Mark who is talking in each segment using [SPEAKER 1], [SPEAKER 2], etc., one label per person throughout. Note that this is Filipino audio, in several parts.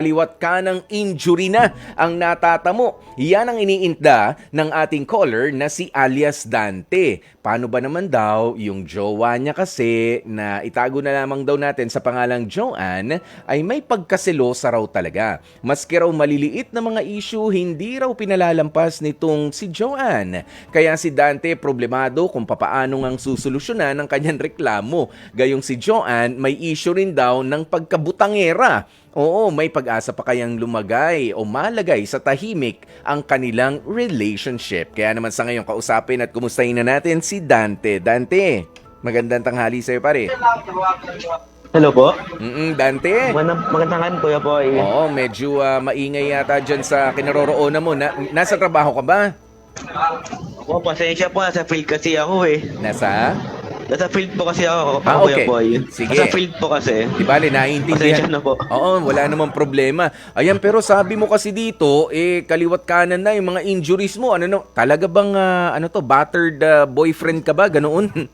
[SPEAKER 1] Liwat ka ng injury na ang natatamo. Yan ang iniinda ng ating caller na si alias Dante. Paano ba naman daw yung jowa niya kasi na itago na lamang daw natin sa pangalang Joanne ay may pagkaselosa raw talaga. Maski raw maliliit na mga issue, hindi raw pinalalampas nitong si Joanne. Kaya si Dante problemado kung papaano ngang susolusyonan ang kanyang reklamo. Gayong si Joanne may issue rin daw ng pagkabutangera. Oo, may pag-asa pa kayang lumagay o malagay sa tahimik ang kanilang relationship. Kaya naman sa ngayon kausapin at kumustahin na natin si Dante. Dante, magandang tanghali sa'yo pare.
[SPEAKER 2] Hello po.
[SPEAKER 1] Dante.
[SPEAKER 2] Magandang hapon, Kuya Boy.
[SPEAKER 1] Oo, medyo maingay yata dyan sa kinaroroonan mo. Nasa trabaho ka ba?
[SPEAKER 2] Po, pasensya po. Nasa field kasi ako eh. Nasa field po kasi ako, Kuya
[SPEAKER 1] Okay.
[SPEAKER 2] Boy.
[SPEAKER 1] Sige.
[SPEAKER 2] Nasa field po kasi.
[SPEAKER 1] Di bale, naiintindihan.
[SPEAKER 2] Pasensya na po.
[SPEAKER 1] Oo, wala namang problema. Ayan, pero sabi mo kasi dito, kaliwat kanan na yung mga injuries mo. Ano no? Talaga bang battered boyfriend ka ba? Ganoon?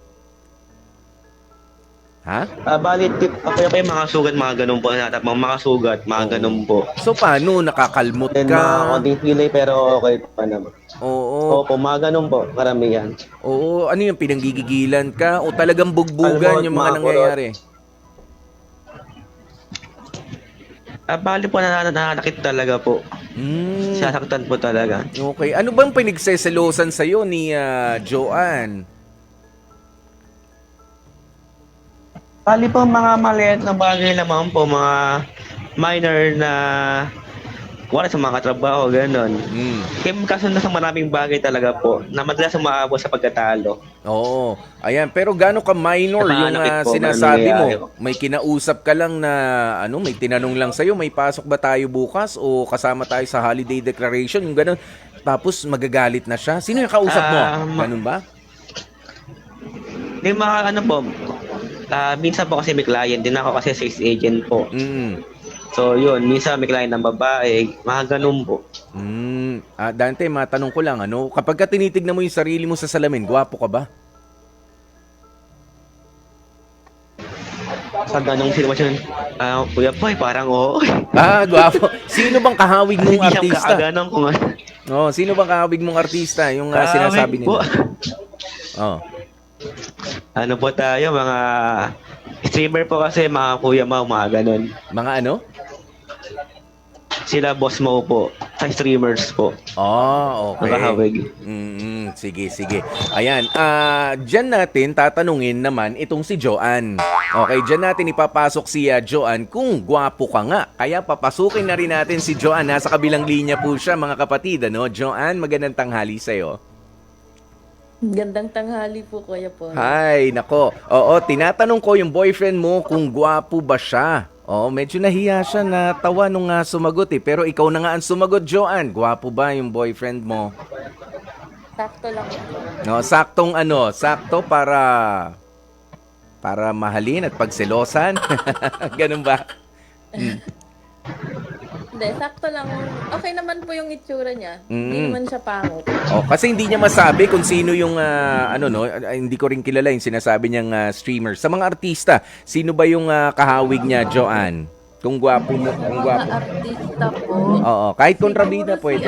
[SPEAKER 1] Ha?
[SPEAKER 2] Bali, Kuya Boy, mga sugat, mga ganun po. Mga sugat, mga ganun po.
[SPEAKER 1] So paano? Nakakalmot
[SPEAKER 2] Then
[SPEAKER 1] ka?
[SPEAKER 2] mga konting pilay pero okay pa naman.
[SPEAKER 1] Oo.
[SPEAKER 2] Opo, mga ganun po. Karamihan.
[SPEAKER 1] Oo, ano yung pinanggigigilan ka? O talagang bugbugan
[SPEAKER 2] Kalmot,
[SPEAKER 1] yung mga
[SPEAKER 2] mga
[SPEAKER 1] nangyayari?
[SPEAKER 2] Bali po, nananakit talaga po.
[SPEAKER 1] Hmm,
[SPEAKER 2] Sasaktan po talaga.
[SPEAKER 1] okay. Ano bang pinagseselosan sa'yo ni Joanne?
[SPEAKER 2] Bali po, mga maliit na bagay naman po. Mga minor na wala sa mga katrabaho, gano'n.
[SPEAKER 1] Hmm.
[SPEAKER 2] Kaya magkasundo sa maraming bagay talaga po na madalas umaabot sa pagkatalo.
[SPEAKER 1] Oo. Ayan, pero gaano ka minor yung
[SPEAKER 2] Nakanakit po,
[SPEAKER 1] sinasabi
[SPEAKER 2] nangyayari.
[SPEAKER 1] mo? May kinausap ka lang na may tinanong lang sa'yo, may pasok ba tayo bukas o kasama tayo sa holiday declaration, yung gano'n. Tapos magagalit na siya. Sino yung kausap mo? Ganun ba?
[SPEAKER 2] Hindi po, minsan po kasi may client din ako kasi sales agent po.
[SPEAKER 1] Mm.
[SPEAKER 2] So yun, minsan may client ng babae, mga ganun po.
[SPEAKER 1] Dante, matanong ko lang, kapag ka tinitignan mo yung sarili mo sa salamin, gwapo ka ba?
[SPEAKER 2] Sa ganung sitwasyon, Kuya Boy, parang oo.
[SPEAKER 1] Gwapo. Sino bang kahawig mong
[SPEAKER 2] Hindi siya
[SPEAKER 1] artista?
[SPEAKER 2] kakaganong kung ano.
[SPEAKER 1] Oh, sino bang kahawig mong artista? Yung sinasabi
[SPEAKER 2] Po.
[SPEAKER 1] nila. Oh.
[SPEAKER 2] Ano po tayo, mga streamer po kasi, mga Kuya Mau, mga ganun.
[SPEAKER 1] Mga ano?
[SPEAKER 2] Sila Boss Mo po, sa streamers po.
[SPEAKER 1] Okay.
[SPEAKER 2] Nakahawig.
[SPEAKER 1] Sige, sige. Ayan, dyan natin tatanungin naman itong si Joanne. Okay, dyan natin ipapasok si Joanne kung gwapo ka nga. Kaya papasukin na rin natin si Joanne. Nasa kabilang linya po siya, mga kapatid. Joanne, magandang tanghali sa'yo.
[SPEAKER 3] Gandang tanghali po, Kuya Paul.
[SPEAKER 1] Hi, nako. Oo, tinatanong ko yung boyfriend mo kung gwapo ba siya. Oo, medyo nahiya siya na tawa nung sumagot Pero ikaw na nga ang sumagot, Joanne. Gwapo ba yung boyfriend mo?
[SPEAKER 3] Sakto lang po.
[SPEAKER 1] No, sakto para mahalin at pagselosan. Ganun ba?
[SPEAKER 3] Hindi, sakto lang. Okay naman po yung itsura niya. Hindi
[SPEAKER 1] Mm.
[SPEAKER 3] naman siya pangit.
[SPEAKER 1] Kasi hindi niya masabi kung sino yung hindi ko rin kilala yung sinasabi niyang streamer. Sa mga artista, sino ba yung kahawig niya, Joanne? Kung gwapo mo, kung
[SPEAKER 3] Mga
[SPEAKER 1] gwapo.
[SPEAKER 3] artista po.
[SPEAKER 1] Oo, kahit
[SPEAKER 3] Siguro
[SPEAKER 1] kontrabida
[SPEAKER 3] si
[SPEAKER 1] pwede.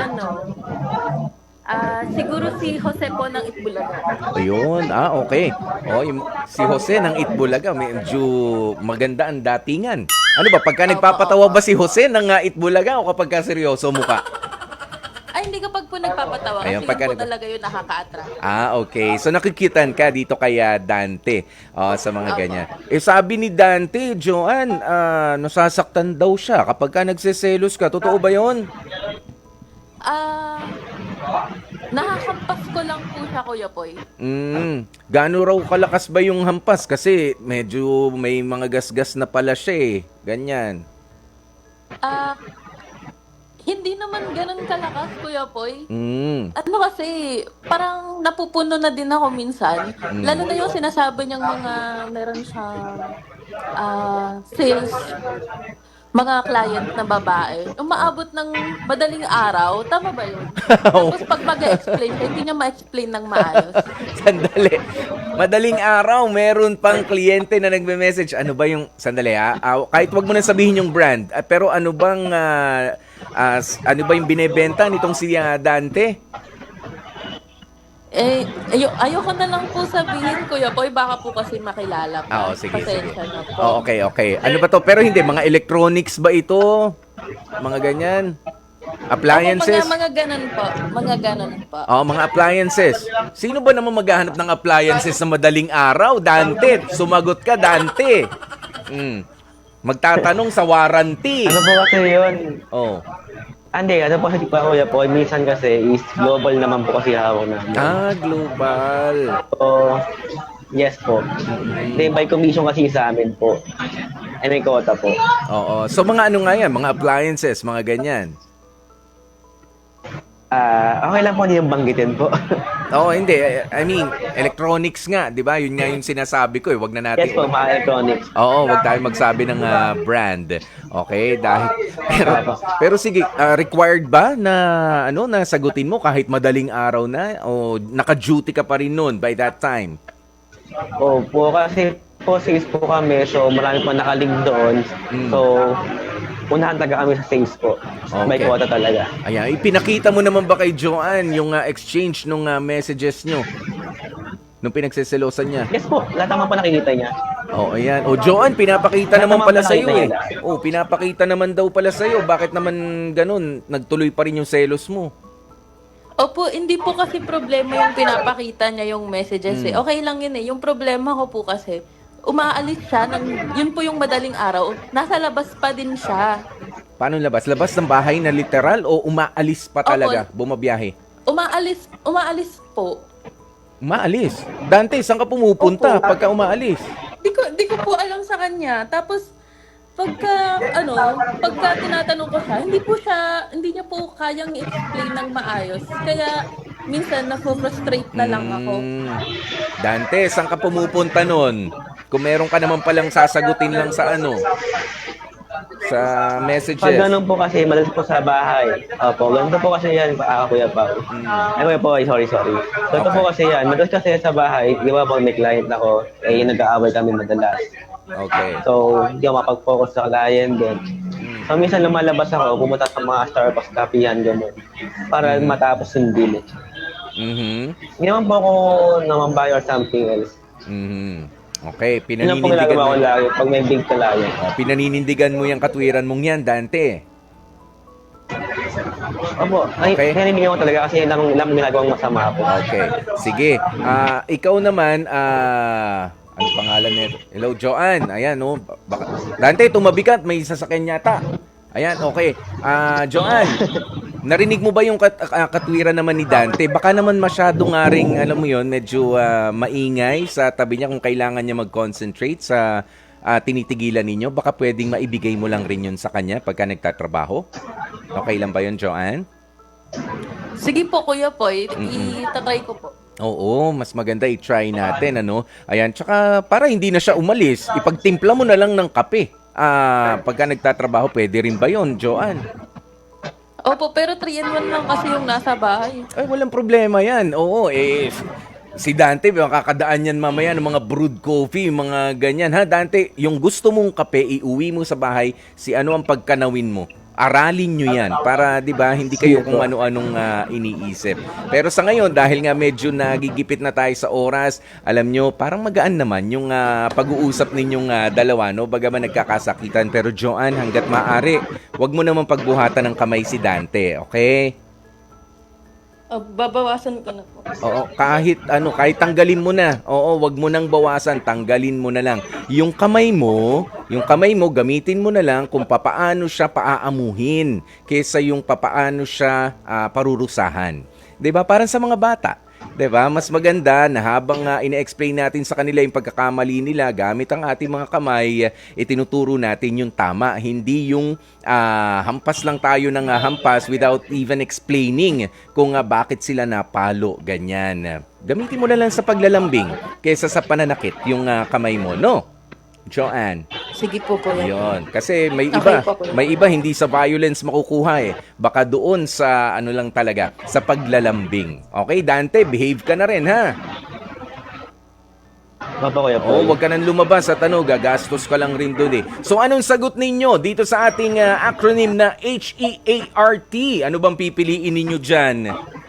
[SPEAKER 3] siguro si Jose po ng Itbulaga.
[SPEAKER 1] Ayun, okay. Si Jose ng Itbulaga, medyo maganda ang datingan. Ano ba, pagka nagpapatawa ba si Jose ng Itbulaga o kapag ka seryoso mukha?
[SPEAKER 3] Ay, hindi kapag po nagpapatawa.
[SPEAKER 1] Ayun,
[SPEAKER 3] Kasi
[SPEAKER 1] pagka
[SPEAKER 3] yun po talaga yun nakaka-attract.
[SPEAKER 1] Okay. So nakikitan ka dito kay Dante sa mga ganyan. Sabi ni Dante, Joanne, nasasaktan daw siya kapag ka nagseselos ka. Totoo ba yon?
[SPEAKER 3] Nakakampas ko lang po siya, Kuya Poy.
[SPEAKER 1] Gaano raw kalakas ba yung hampas? Kasi medyo may mga gasgas na pala siya Ganyan.
[SPEAKER 3] Hindi naman ganun kalakas, Kuya Poy.
[SPEAKER 1] Mm.
[SPEAKER 3] Kasi, parang napupuno na din ako minsan. Lalo na yung sinasabi niyang meron siyang sales. mga client na babae, umaabot ng madaling araw, tama ba yun? Tapos pag mag-explain siya, hindi niya ma-explain ng maayos.
[SPEAKER 1] Sandali. Madaling araw, meron pang kliyente na nagme-message. Ano ba yung, sandali ha, kahit wag mo na sabihin yung brand, pero ano bang, ano ba yung binebenta nitong si Dante?
[SPEAKER 3] Ayoko na lang po sabihin, Kuya Boy, baka po kasi makilala pa.
[SPEAKER 1] Sige, sige.
[SPEAKER 3] Pasensya na po.
[SPEAKER 1] Okay, okay. Ano ba to? Pero hindi, mga electronics ba ito? Mga ganyan? Appliances?
[SPEAKER 3] Mga ganun po. Mga ganun po.
[SPEAKER 1] Mga appliances. Sino ba naman maghahanap ng appliances sa madaling araw? Dante, sumagot ka, Dante. Magtatanong sa warranty.
[SPEAKER 2] Ano po kasi yun?
[SPEAKER 1] Oh.
[SPEAKER 2] Hindi, ano po kasi pa kuya po, minsan kasi is global naman po kasi hawak namin.
[SPEAKER 1] Global.
[SPEAKER 2] So, yes po. Hindi, by commission kasi sa amin po. Ay, may quota po.
[SPEAKER 1] Oo. So, mga ano nga yan? Mga appliances, mga ganyan.
[SPEAKER 2] Okay lang po, hindi yung banggitin po.
[SPEAKER 1] Hindi. I mean, electronics nga, di ba? Yun nga yung sinasabi ko eh. Wag na natin.
[SPEAKER 2] Yes po, mga electronics.
[SPEAKER 1] Wag tayo magsabi ng brand. Okay? Pero sige, required ba na na sagutin mo kahit madaling araw na o naka-duty ka pa rin noon by that time?
[SPEAKER 2] Opo, kasi po sales po kami, so marami po nakalig doon. So, unahan taga kami sa sales po. May
[SPEAKER 1] Okay.
[SPEAKER 2] quota talaga.
[SPEAKER 1] Ayan, ipinakita mo naman ba kay Joanne yung exchange nung messages nyo? Nung pinagseselosan niya?
[SPEAKER 2] Yes po, lahat naman po nakikita niya.
[SPEAKER 1] Ayan. Joanne, pinapakita
[SPEAKER 2] Lahat
[SPEAKER 1] naman
[SPEAKER 2] naman
[SPEAKER 1] pala
[SPEAKER 2] pala
[SPEAKER 1] sa'yo eh.
[SPEAKER 2] nakita
[SPEAKER 1] Pinapakita naman daw pala sa'yo. Bakit naman ganun? Nagtuloy pa rin yung selos mo.
[SPEAKER 3] Opo, hindi po kasi problema yung pinapakita niya yung messages eh. Okay lang yun eh. Yung problema ko po kasi, umaalis siya, yun po yung madaling araw, nasa labas pa din siya.
[SPEAKER 1] Paano labas? Labas ng bahay na literal o umaalis pa talaga? Bumabiyahe?
[SPEAKER 3] Umaalis po.
[SPEAKER 1] Umaalis? Dante, saan ka pumupunta
[SPEAKER 3] Opo.
[SPEAKER 1] pagka umaalis?
[SPEAKER 3] Di ko po alam sa kanya. Tapos, pagka tinatanong ko siya, hindi niya po kayang i-explain ng maayos. Kaya, minsan, na-frustrate na lang ako.
[SPEAKER 1] Dante, saan ka pumupunta nun? Kung meron ka naman palang sasagutin lang sa sa messages.
[SPEAKER 2] Pag ganun po kasi, madalas po sa bahay. Opo, ganito po kasi yan, Kuya Pao. Ay, Kuya Pao, sorry. Ganito po kasi yan, madalas kasi sa bahay, di ba pag may client ako, nag-aaway kami madalas.
[SPEAKER 1] Okay.
[SPEAKER 2] So, hindi ako mapag-focus sa client din. So, minsan lumalabas ako, pumunta sa mga Starbucks, kapihan, gano'n. Para matapos yung deal. Hindi naman po ako namambay or something else.
[SPEAKER 1] Okay,
[SPEAKER 2] Yun ang po ginagawa ko lagi pag may big client.
[SPEAKER 1] Pinaninindigan mo yung katwiran mong yan, Dante.
[SPEAKER 2] Opo,
[SPEAKER 1] Okay.
[SPEAKER 2] pinaninigaw ko talaga kasi ilang ginagawang masama po.
[SPEAKER 1] Okay. Sige. Ikaw naman, ano pangalan nito? Hello, Joanne. Ayan, no. Dante, tumabi ka. May sasakyan yata. Ayan, okay. Joanne, narinig mo ba yung katwiran naman ni Dante? Baka naman masyado nga ring, alam mo yon, medyo maingay sa tabi niya kung kailangan niya mag-concentrate sa tinitigilan ninyo. Baka pwedeng maibigay mo lang rin yun sa kanya pagka nagtatrabaho. Okay lang ba yun, Joanne?
[SPEAKER 3] Sige po, Kuya Poy. Itatry ko po.
[SPEAKER 1] Oo, mas maganda i-try natin, ano? Ayan, tsaka para hindi na siya umalis, ipagtimpla mo na lang ng kape. Pagka nagtatrabaho, pwede rin ba yun, Joanne?
[SPEAKER 3] Opo, pero 3-in-1 lang kasi yung nasa bahay.
[SPEAKER 1] Ay, walang problema yan. Oo, si Dante, kakadaan yan mamaya ng mga brewed coffee, mga ganyan. Ha, Dante, yung gusto mong kape, iuwi mo sa bahay, ano ang pagkanawin mo? Aralin nyo yan para, di ba, hindi kayo kung ano-anong iniisip. Pero sa ngayon, dahil nga medyo nagigipit na tayo sa oras, alam nyo, parang magaan naman yung pag-uusap ninyong dalawa, no? Bagaman nagkakasakitan. Pero Joanne, hanggat maaari, wag mo naman pagbuhatan ng kamay si Dante, okay?
[SPEAKER 3] Babawasan ko na po.
[SPEAKER 1] Oo, kahit tanggalin mo na. Oo, wag mo nang bawasan, tanggalin mo na lang. Yung kamay mo, gamitin mo na lang kung papaano siya paaamuhin kaysa yung papaano siya parurusahan. 'Di ba? Parang sa mga bata. 'Di ba? Mas maganda na habang ine-explain natin sa kanila yung pagkakamali nila gamit ang ating mga kamay, itinuturo natin yung tama, hindi yung hampas lang tayo ng hampas without even explaining kung bakit sila napalo, ganyan. Gamitin mo na lang sa paglalambing kaysa sa pananakit yung kamay mo, no? Joanne.
[SPEAKER 3] Sige po, kuya.
[SPEAKER 1] Yun. Kasi may
[SPEAKER 3] Okay
[SPEAKER 1] iba,
[SPEAKER 3] po, kuya.
[SPEAKER 1] may iba hindi sa violence makukuha eh. Baka doon sa ano lang talaga, sa paglalambing. Okay, Dante, behave ka na rin ha.
[SPEAKER 2] Opo, Kuya
[SPEAKER 1] Oh,
[SPEAKER 2] Paul.
[SPEAKER 1] wag ka nang lumabas at ano, gagastos ka lang rin doon eh. So anong sagot ninyo dito sa ating acronym na HEART? Ano bang pipiliin ninyo dyan?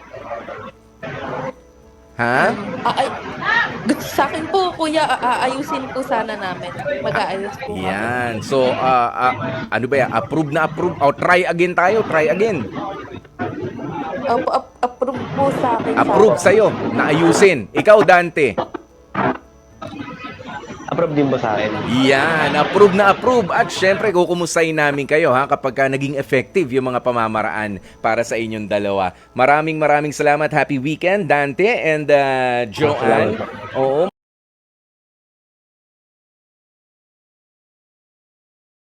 [SPEAKER 1] Ha?
[SPEAKER 3] Ay, sa akin po, kuya, aayusin po sana namin. Mag-aayos po. kami.
[SPEAKER 1] Yan. So, ano ba yan? Approve na approve. O, try again tayo. Try again.
[SPEAKER 3] Opo, approve po sa akin.
[SPEAKER 1] Approve sa'yo na ayusin. Ikaw, Dante.
[SPEAKER 2] Approve din po sa akin.
[SPEAKER 1] Yan, approve na approve. At syempre, kukumustahin namin kayo ha kapag naging effective yung mga pamamaraan para sa inyong dalawa. Maraming salamat. Happy weekend, Dante and Joanne. Oo.